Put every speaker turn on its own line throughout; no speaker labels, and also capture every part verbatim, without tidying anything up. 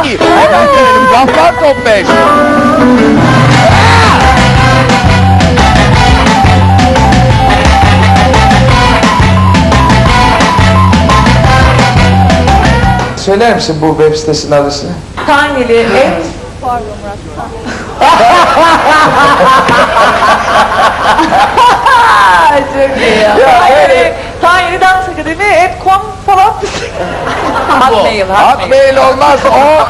Hemen gelelim. Gaffar Top beş. Söyler misin bu web sitesinin adresini?
Taneli et.
Pardon Murat.
Çok iyi ya. Taneli, Taneli Dans Akademi et kom falan. Hotmail,
Hotmail olmaz o.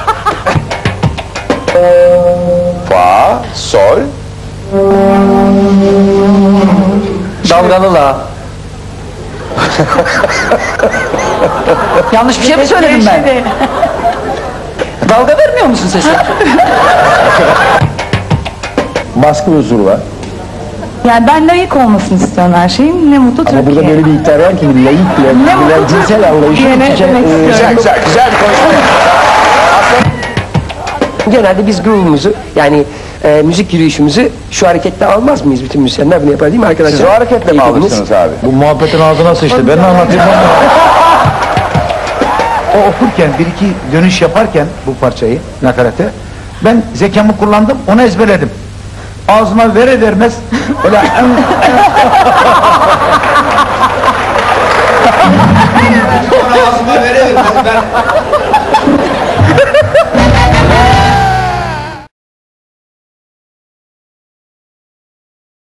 Fa, sol.
Dalgalı la. Yanlış bir şey mi söyledim ben? Dalga vermiyor musun sesi?
Baskı huzuru var.
Yani ben layık olmasını istiyorum her şeyin. Ne mutlu
Ama
Türkiye.
burada böyle bir iddia var ki layık bile,
Ne
bile
mutlu
cinsel anlayışı
Türkiye'ne
iç içe,
demek
e,
istiyorum.
Güzel güzel güzel bir konuşma.
Genelde biz groove'umuzu yani e, müzik yürüyüşümüzü şu hareketle almaz mıyız? Bütün müzisyenler bunu yapar değil mi arkadaşlar?
Siz o hareketle mi
İyi dediniz.
alırsınız abi?
Bu muhabbetin ağzına sıçtı. Ben ne anlatayım? O okurken bir iki dönüş yaparken bu parçayı nakarate ben zekamı kullandım, onu ezberledim. Ağzıma vere vermez öyle